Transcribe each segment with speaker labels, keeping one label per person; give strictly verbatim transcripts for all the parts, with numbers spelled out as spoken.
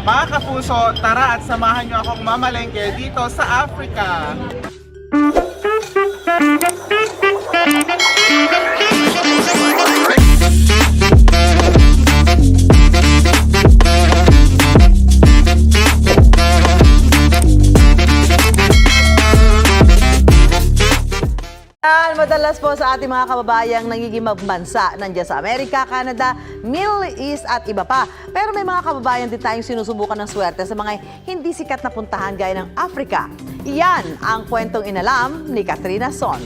Speaker 1: Mga kapuso, tara at samahan niyo akong mamalengke dito sa Africa.
Speaker 2: Madalas po sa ating mga kababayang nangiging bansa nandiyan sa Amerika, Canada, Middle East at iba pa. Pero may mga kababayan din tayong sinusubukan ng swerte sa mga hindi sikat na puntahan gaya ng Africa. Iyan ang kwentong inalam ni Katrina Son.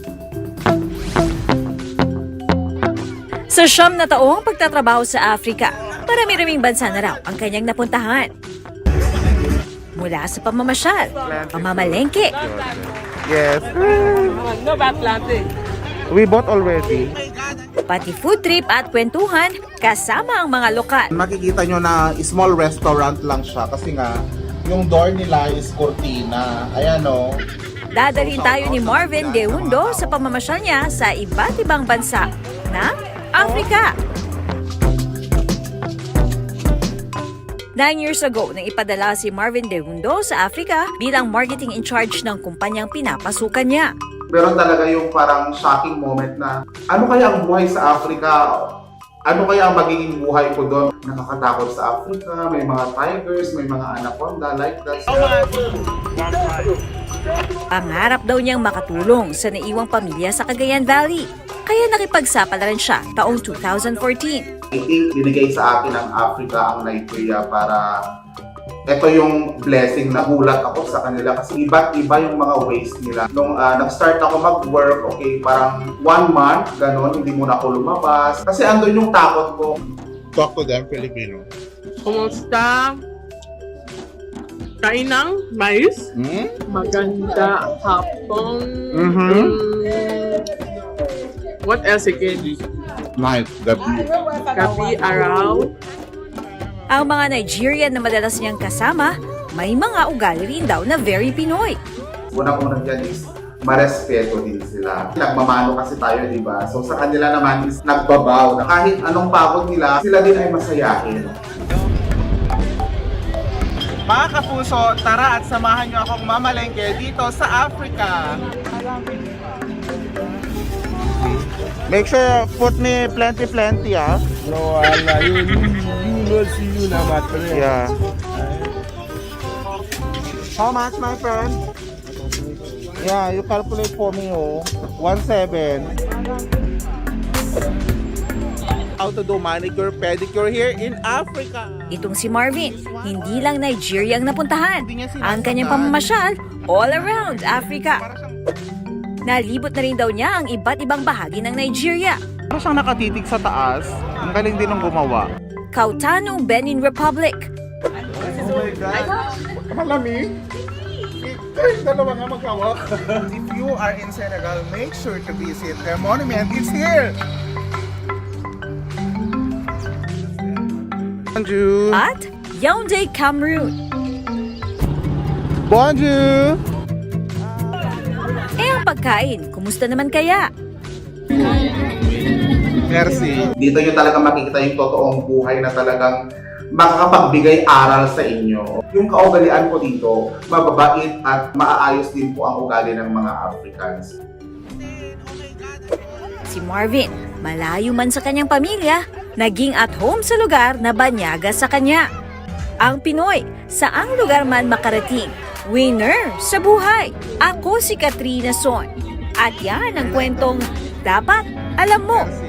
Speaker 3: Sa siyam na taong pagtatrabaho sa Africa, marami-raming bansa na raw ang kanyang napuntahan. Mula sa pamamasyal, pamamalengke,
Speaker 1: Yes.
Speaker 4: No bad planting.
Speaker 1: We bought already.
Speaker 3: pati food trip at kwentuhan kasama ang mga lokal.
Speaker 1: Makikita nyo na small restaurant lang siya kasi nga yung door nila is cortina. Ayan o.
Speaker 3: Dadalhin tayo ni Marvin De Hundo sa pamamasyal niya sa iba't ibang bansa ng Africa. Nine years ago, nang ipadala si Marvin De Hundo sa Africa bilang marketing in charge ng kumpanyang pinapasukan niya.
Speaker 1: Meron talaga yung parang shocking moment na ano kaya ang buhay sa Africa? Ano kaya ang magiging buhay ko doon? Nakakatakot sa Africa, may mga tigers, may mga anaconda like that.
Speaker 3: Pangarap daw niyang makatulong sa naiwang pamilya sa Cagayan Valley. Kaya nakipagsapalaran siya taong two thousand fourteen.
Speaker 1: I think binigay sa akin ng Africa ang Nigeria para ito yung blessing na hulat ako sa kanila kasi iba't iba yung mga ways nila. Nung uh, nag-start ako mag-work, okay, parang one month, gano'n, hindi muna ako lumabas. Kasi andun yung takot ko. Talk to them, Filipino.
Speaker 4: Kumusta? Kainang mais?
Speaker 1: Hmm?
Speaker 4: Maganda hapon.
Speaker 1: Mhm.
Speaker 4: Mm, what else again?
Speaker 1: Nice, gabi.
Speaker 4: Gabi, araw.
Speaker 3: Ang mga Nigerian na madalas niyang kasama, may mga ugali rin daw na very Pinoy.
Speaker 1: Unang-unang dyan is marespeto din sila. Nagmamano kasi tayo, di ba? So sa kanila naman is nagbabaw na kahit anong pagod nila, sila din ay masayahin. Mga kapuso, tara at samahan niyo akong mamalengke dito sa Africa. Make sure put me plenty plenty ah.
Speaker 5: No, Allah, you, you, you know, see you now, my friend.
Speaker 1: Yeah. How much, my friend? Yeah, you calculate for me, oh. one seven. How to do manicure, pedicure here in Africa.
Speaker 3: Itong si Marvin, hindi lang Nigeria ang napuntahan. Ang kanyang pamamasyal all around Africa. Nalibot na rin daw niya ang iba't ibang bahagi ng Nigeria.
Speaker 1: Parang siyang nakatitig sa taas. Ang galing din ng gumawa.
Speaker 3: Kautano, Benin Republic.
Speaker 1: Oh my God. Malamig. Kayong dalawa nga magkawak. If you are in Senegal, make sure to visit the monument. It's here. Bonjour.
Speaker 3: At Yaoundé, Cameroon.
Speaker 1: Bonjour.
Speaker 3: Eh ang pagkain, kumusta naman kaya?
Speaker 1: Merci. Dito nyo talaga makikita yung totoong buhay na talagang makakapagbigay aral sa inyo. Yung kaugalian ko dito, mababait at maaayos din po ang ugali ng mga Africans.
Speaker 3: Si Marvin, malayo man sa kanyang pamilya, naging at home sa lugar na banyaga sa kanya. Ang Pinoy, saang lugar man makarating, winner sa buhay. Ako si Katrina Son. At yan ang kwentong dapat alam mo.